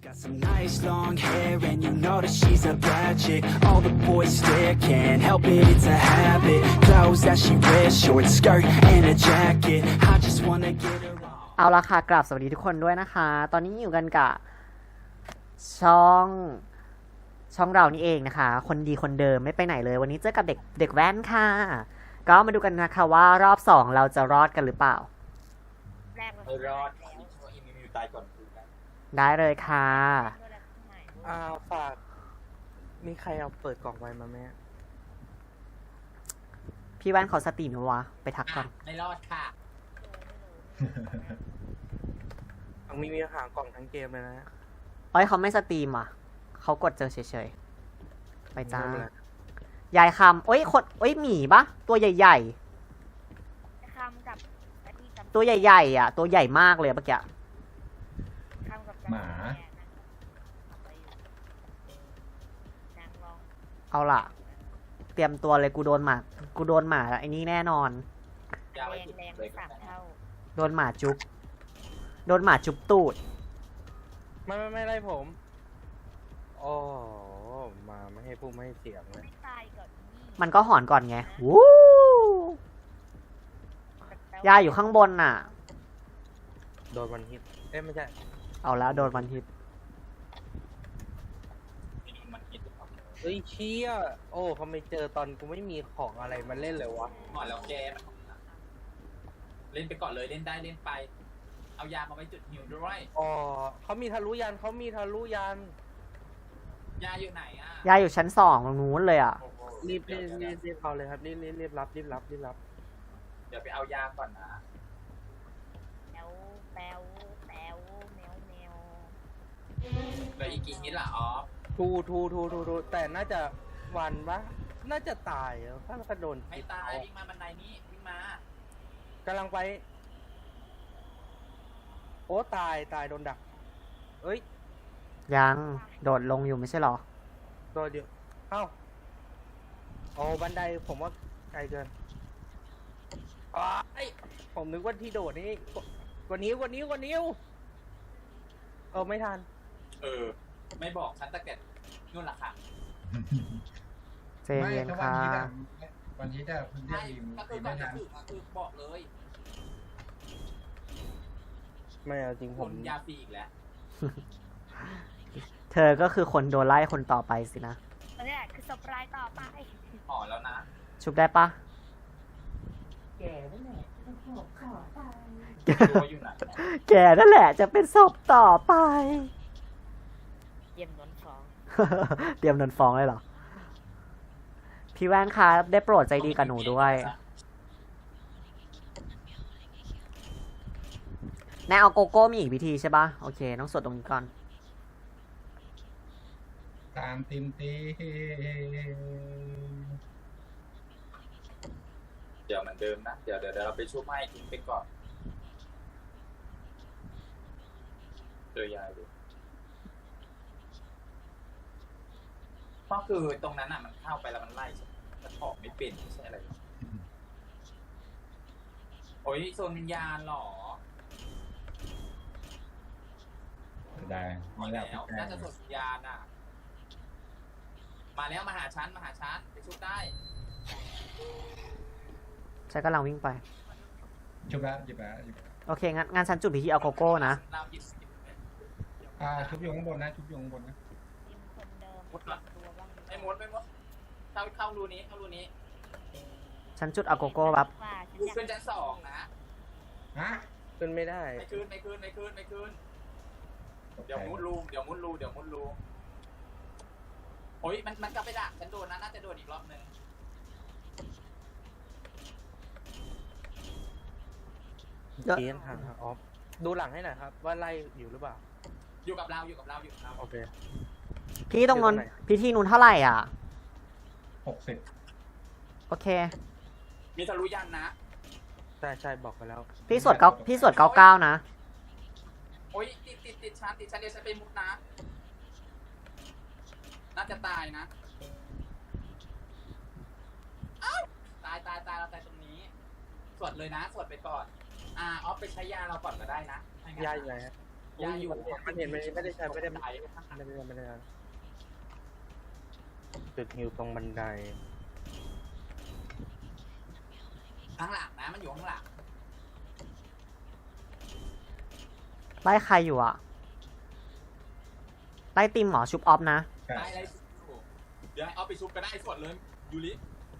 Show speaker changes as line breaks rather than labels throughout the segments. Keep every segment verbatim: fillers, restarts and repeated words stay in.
Got some nice long hair and you know that she's a bad chick. All the boys stare, can't help it, it's a habit. Clothes that she wears, short skirt and a jacket. I just wanna get her on.
เอาละค่ะกราบสวัสดีทุกคนด้วยนะคะ ตอนนี้อยู่กันกับช่องช่องเรานี่เองนะคะ คนดีคนเดิมไม่ไปไหนเลย วันนี้เจอกับเด็กเด็กแว่นค่ะ ก็มาดูกันนะคะว่ารอบสองเราจะรอดกันหรือเปล่า
แรกมัน
ไม่รอดอีมิวตายก่อนคุณนะ
ได้เลยค่ะ
อ่าฝากมีใครเอาเปิดกล่องไว้มาไหม
พี่แว่นเขาสตรีมอยู่วะไปทักก่อน
ไม่รอดค่ะ
เอามีมีหางกล่องทั้งเกมเลยนะ
เอ้ยเขาไม่สตรีมอ่ะเขากดเจอเฉยๆไปจ้า
ไม่เป็นไร
ยายคำโอ้ยคนโอ้ยหมีปะตัวใหญ่
คำกับกะทิกับ
ๆ ตัวใหญ่ๆอ่ะ ตัวใหญ่มากเลยเมื่อกี้
คำกับ
หมา
นางลอง
เอาล่ะ เตรียมตัวเลยกูโดนหมากูโดนหมาไอ้นี่แน่นอน
แรงแรงไปสามเท่า
โดนหมาจุ๊บโดนหมาจุ๊บตูด
ไม่ไม่ไม่ไล่ผมโอ้มาไม่ให้พูดไม่ให้เสียงเลย
ไม่ตายก่อนนี่
มันก็หอนก่อนไงวู้ยายอยู่ข้างบนน่ะ
โดนวันฮิตเอ้ยไม่ใช่
เอาแล้วโดนวันฮิต
มันคิด
เฮ้ยเชี่ยโอ้เขาไม่เจอตอนกูไม่มีของอะไรมาเล่นเลยวะ
ก่อนแล้วแกเล่นไปก่อนเลยเล่นได้เล่นไป เอายามาไว้จุดหิวด้วย
อ๋อเขามีทะลุยันเขามีทะลุยัน
ยาอยู่ไหนอ่ะ
ยายอยู่ชั้นสองตรงนู้นเลยอ่ะ
รีบรีบรีบรีบเอาเลยครับรีบรีบรีบรับรีบรับรีบรับ
เดี๋ยวไปเอายาก่อนนะ
แปวแปวแปวแมวแมว
แล้วอีกกี่นิดล่ะอ๋อ
ทูทูทูทูทูแต่น่าจะวันปะน่าจะตายอะถ้าเราโดน
ไม่ตายวิ่งมาบันไดนี้วิ่งมาก
ำลังไปโอ้ตายตายโดนดักเอ้ย
ยังโดดลงอยู่ไม่ใช่หรอ
โดนเดียวเอ้าโอ้บันไดผมว่าไกลเกินอ้าวไอ้ผมนึกว่าที่โดดนี่กว่านิ้วกว่านิ้วกว่านิ้วเออไม่ทัน
เออ ไม่บอกฉันตั้งแต่นู่นล่ะค่ะ
เจนเย็นค่ะ
วันนี้ได้คุณเรีย
ใช่
กรีม
ก็คื
รี
อ
ม
ก่อ
ไม่
นจะ
ทัน
ถึงก็คือบอกเลย
ไม่เอาจริง
ผ
ผม
มยาฟรีอีกแล้ว
เธอก็คือคนโดนไล่คนต่อไปสินะ
อันนี้แหละคือสปรายต่อไป
ห่อแล้วนะ
ชุบได้ปะ
ตัวอยู่ไหน
แกนั่นแหละจะเป็นศพต่อไป
เยี่ยมนนฟอง
เตรียมโดนฟ้องเลยเหรอ พี่แว่นคะได้โปรดใจดีกับหนูด้วยแน่เอาโกโก้มีอีกวิธีใช่ปะโอเค ต้องสวดตรงนี้ก่อน
ตามติมตี
เดี๋ยวเหมือนเดิมนะเดี๋ยวเดี๋ยวเราไปช่วยให้ทิ้งไปก่อนเจอยายดูก็คือตรงนั้นอ่ะมันเข้าไปแล้วมันไล่มันออกไม่เป็นไม่ใช่อะไรหรอกโอ้ยโซนวิญญาณหรอ
ได้
มา
มา
แล้
แล้ว
วน่าจะโซนวิญญาณอ่ะมาแล้วมาหาชั้นมาหาชั้นไปชุบได้
ฉันกำลังวิ่งไป
ชุบแล้วหยิบแล้วหยิบแล้ว
โอเคงั้นงานฉันจุดพิธีเอาโกโก้นะ
เราหยิบ
อ่าชุบอยู่ข้างบนนะชุบอยู่ข้างบนนะ
ทีมคนเดิม
มุดละ
ตัวบ้าง
ไม่มดไม่มดเข้าเข้ารูนี้เข้ารูนี้
ฉันจุดเอาโกโก้แบบ
ว่าฉัน
รู
อยาก
ขึ้นชั้นสองนะ
ฮะ
ขึ้นไม่ได้
ไม่ขึ้นไม่ขึ้นไม่ขึ้นไม่ขึ้นเดี๋ยวมุดรูเดี๋ยวมุดรูเดี๋ยวมุดรูโอ้ยมันมันกลับไปดักฉันโดนนะน่าจะโดนอีกรอบนึง
เยอะ
เกียนทางออฟดูหลังให้หน่อยครับ ว่าไล่อยู่หรือเปล่า
อยู่กับเราอยู่กับเราอยู่กับเรา
โอเค
พี่ตรงนั้น
อยู่ตรงไหน
พิธีนู้นเท่าไหร่อ่ะ
หกสิบ
โอเค
มีทะลุยันนะ
ใช่ใช่บอกไปแล้ว
พี่สวดเก้าพี่สวดเก้าเก้านะ
โอ้ยติดติดติดชั้นติดชั้นเดี๋ยวฉันไปมุดนะน่าจะตายนะอ้าวตายตายตายเราตายตรงนี้สวดเลยนะสวดไปก่อนอ่าออฟไปใช้ยาเราก่อนก็ได้นะ
ยาอยู่ไหนฮะ
ยาอยู่
มันเห็นมันเห็นไม่ได้ใช้ไม่ได้
ตาย
ไม่ได้ไม่ได้จุดฮิวตรงบันได
ข้างหลังนะมันอยู่ข้างหลัง
ไล่ใครอยู่อะไล่ติมหมอชุบออฟนะ
ใช่
ได้อะไรเดี๋ยวให้เอาไปชุบก็ได้สดเลยยูริ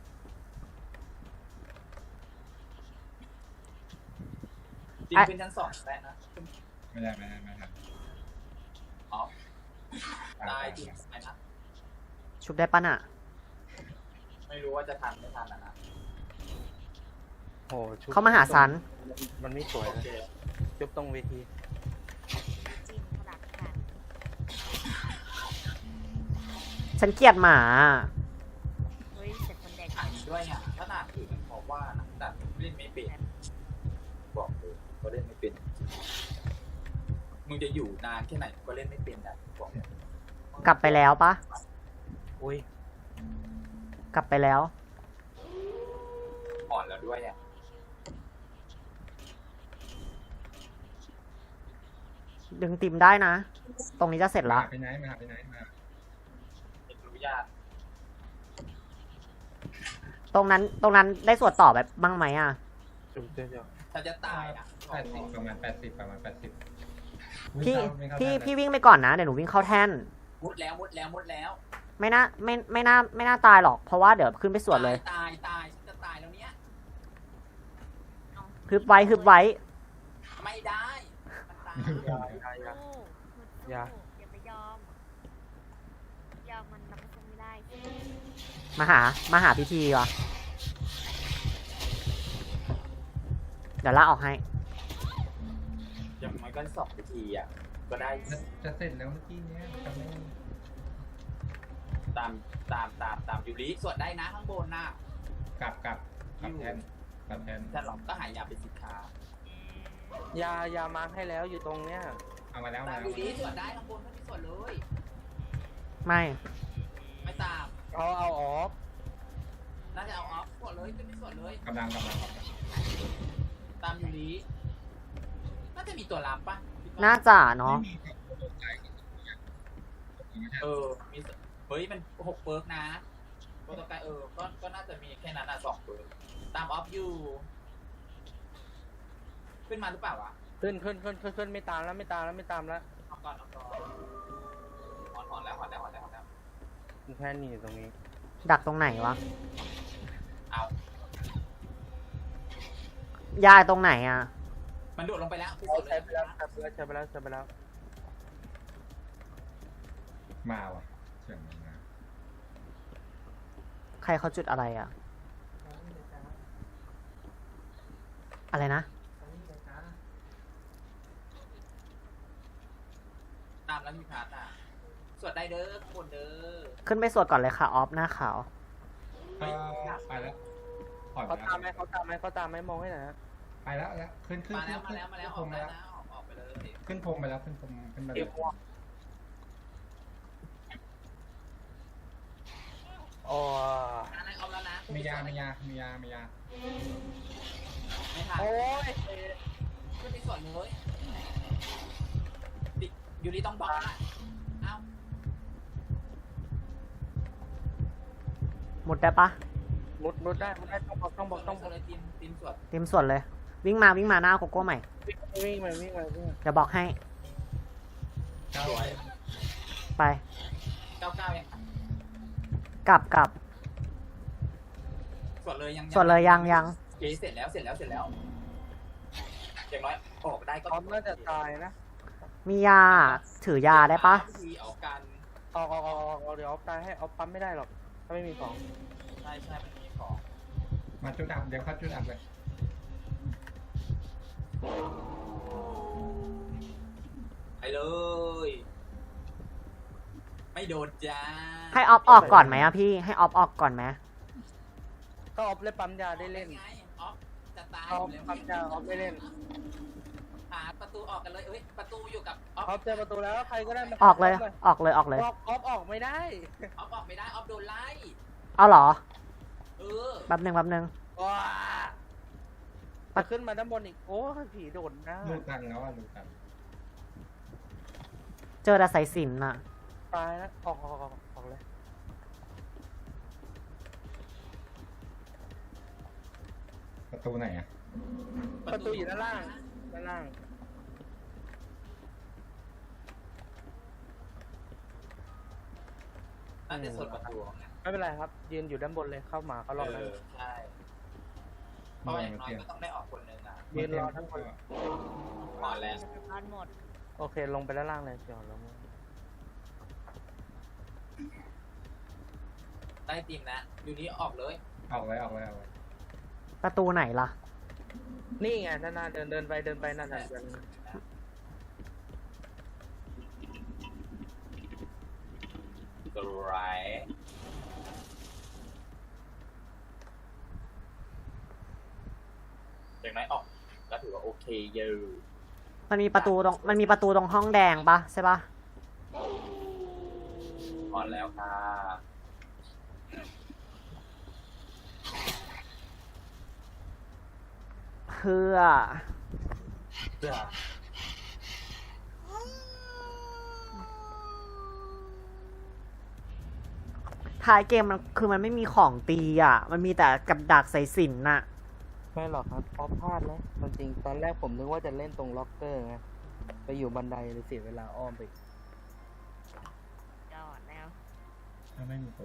จริงขึ้นชั้นสองแล้นะ
ไม่ได้ไม่ได้ไม่ได้
อ๋อตายจริงไหมนะ
ชุบได้ปะน่ะ
ไม่รู้ว่าจะทันไม่ทันนะนะ
โอ้ชุบ
เขามาหาซัน
มันไม่สวย
โอ
นะ
เค
จุบตรงเวที
จริงขนาดขาด
ฉันเกลียดหมา
เฮ้ยแต่คนแดง
อ่านด้วยเนี่ยขนาดอื่นมันบอกว่านะแต่เล่นไม่เป็นบอกเลยก็เล่นไม่เป็นมึงจะอยู่นานแค่ไหนก็เล่นไม่เป็นนะบอก
กลับไปแล้วปะ
อุ้ย
กลับไปแล้ว
อ่อนแล้วด้วยเนี่ย
ดึงติมได้นะ ตรงนี้จะเสร็จ
มา
ละ
ไปไหนมาไปไหนมา
เป็นรู้ยาก
ตรงนั้น ตรงนั้นได้สวดต่อแบบบ้างไหมอะ
จุบเจ้า
ถ้าจะตายอ่ะ
แปดสิบประมาณแปดสิบประมาณแปดสิบ
พี่ พี่ พี่วิ่งไปก่อนนะ เดี๋ยวหนูวิ่งเข้าแท่น
มุดแล้วมุดแล้วมุดแล้ว
ไม่น่า ไม่ ไม่น่า ไม่น่าตายหรอก เพราะว่าเดี๋ยวขึ้นไปสวดเลย
ตายตายฉันจะตายแล้วเนี้ย
ฮึบไว้ ฮึบไว้
ไม่ได้มันตาย
ยายายา
สู้อย่าอย่าไปยอม ยอมมันรับมันไม่ได้
มาหา มาหาพิธีวะเดี๋ยวลากออกให้
อย่างมันก็สองนาทีอ่ะก็ได้
จะจะเสร็จแล้วเมื่อกี้เนี้ยทำไม
ตามตามตามตามยูริสวดได้นะข้างบนน่ะ
กลับกลับกลับแทนกลับแทน
ถ้าหลอกก็หายยาเป็นสินค้าย
ายามาร์คให้แล้วอยู่ตรงเนี้ย
เอามาแล้ว
ตา
มาแล้ว
มยูริสวดได้ข้างบนไม่มีสวดเลย
ไม่
ไม่ตาม
เอาเอาออฟ
น่าจะเอาออฟสวดเลยขึ้นไม่สวดเลย
กำลังกำลังกำลัง
ตามยูริน่าจะมีตัวรับปะคิดว่
น่าจะเนาะ
เออมีสเฮ้ยมันหกเปิร์กนะโปรโตไกด์เออก็ก็น่าจะมีแค่นั้นอ่ะสองเปิร์กตามออฟอยู่ขึ้นมาหรือเปล่าวะ
ขึ้นขึ้นขึ้นขึ้นขึ้นไม่ตามแล้วไม่ตามแล้วไม่ตามแล้ว
เอาก่อนเอาก่อนหอนหอนแล้วหอนแล้วหอนแล้วหอนแล้ว
แค่นี้อยู่ตรงนี้
ดักตรงไหนวะ
เอา
ยายตรงไหนอะ
มันโดดลงไปแล้วคือ
เอา
สุดเล
ใช้
ย
ไปแล้วใช้ไปแล้วใช้ไปแล้วใช้ไปแล้ว
มาว่ะเสียงมันมา
ใครเขาจุดอะไรอะอะไรนะ
ตามแล้วมีพาร์ทอ่ะสวดได้เด้อข้างบนเด้อ
ขึ้นไปสวดก่อนเลยค่ะ ออฟหน้าขาว
ก็ไปแล้วปล่อยไป
เขา
แล้ว
ตามไหมเขาตามไหมเขาตามไหมมองให้หน่อยนะ
ไปแล้วแล้วขึ้นขึ้น
มา
ขึ้
แล้
น
วมาแล้วมาแล้วอ
ขึ้
อน ก
พรม
แล้
มาว แล้ว
นะออกออกไปเลย
ขึ้นพรมไปแล้วขึ้นพรมขึ้นมาเล
เดี๋ย
ยว
อ๋อ
อะไรออกแล้วนะ
มียามียามียามียา
ไม่ทัน
โอ้ย
ขึ้นไปสวดเลยดิยูริต้องบอกนะเอ้า
หมดได้ปะ
มุดมุดได้มุดได้ต้องบอกต้องบอกต้องบ
ส
อ
ว
ก
ดเลยทีมทีมสวด
เตรียมสวดเลย วิ่งมาวิ่งมาหน้าโกโก้ใหม่
วิ่งมาวิ่งมาวิ่งมา
เดี๋ยวบอกให้
สวย
ไป
เก้าเก้ายัง
กลับกลับ
สวดเลยยัง
สวดเลยยังยัง
โอเคเสร็จแล้วเสร็จแล้วเสร็จแล้วอย่างน้อยออกได้ก็
ออฟน่าจะตายนะ
มียา ถือยาได้ปะ
พิธีออกกัน
ออกออกออกออกออกเดี๋ยวออฟตายให้ออฟปั๊มไม่ได้หรอกถ้าไม่มีของ
ใช่ใช่มันมีของ
มาจุดอับเดี๋ยวเข้าจุดอับเลย
ไปเลย ไม่โดนจ้า
ให้ออฟออกก่อนไหมอะพี่ ให้ออฟออกก่อนไหม
ก็ออฟเล่นปั๊มยาได้เล่น
ไงออฟจะตาย
อ
อ
อฟ
ยู่แล้ว
ปั๊มยาออฟไม่เล่น
หาประตูออกกันเลยเอ้ยประตูอยู่กับออฟ
ออฟเจอประตูแล้วใครก็ได้มา
ออกเลย ออกเลยออกเลย
ออฟออฟออกไม่ได้
ออฟออกไม่ได้ออฟโดนไล่
เอาเหรอ
เออ
แป๊บหนึ่งแป๊บหนึ่ง
ว้ามาขึ้นมาด้านบนอีกโอ้ยผีโดดนะ
ลูกกันแล้วอ่ะลูกกัน
เจอแต่สายสิญจนอะ
ตายแล้วออกออกออกออกเลย
ประตูไหนอ่ะ
ประตูอยู่ด้านล่างด้านล่าง
น่าจะส่วนประตูนะ
ไม่เป็นไรครับ ยืนอยู่ด้านบนเลยเข้ามาเขารอ
เอ
แล้ว
อใช่เพราะว่าอย่างน้อยก็ต้องได้ออกคนหนึ่งอ่ะ
ยืนรอทั้งคน
ก่อนแล้ว
ร้านหมด
โอเค ลงไปด้านล่างเลยเดี๋ยวลงมา
ได้ทีมนะอยู่นี้ออกเลย
ออกเลยออกเลยออกเลย
ประตูไหนล่ะ
นี่ไงนั่นน่ะเดินเดินไปเดินไปนั่นน่ะเดิน
กระไรอย่างน้อยออกก็ถือว่าโอเคเยอะ
มันมีประตูตรงมันมีประตูตรงห้องแดงปะใช่ปะ
ก่อนแล้วค่ะ
เพื่อ
เพื่อ
ท้ายเกมมันคือมันไม่มีของตีอ่ะ มันมีแต่กับดักสายสิญจนน่ะ
ไม่หรอกครับเพราะพลาดแล้วจริงๆตอนแรกผมนึกว่าจะเล่นตรงล็อกเกอร์ไงไปอยู่บันไดเลยเสียเวลาอ้อมไป
จอดแล้ว
ถ้าไม่มี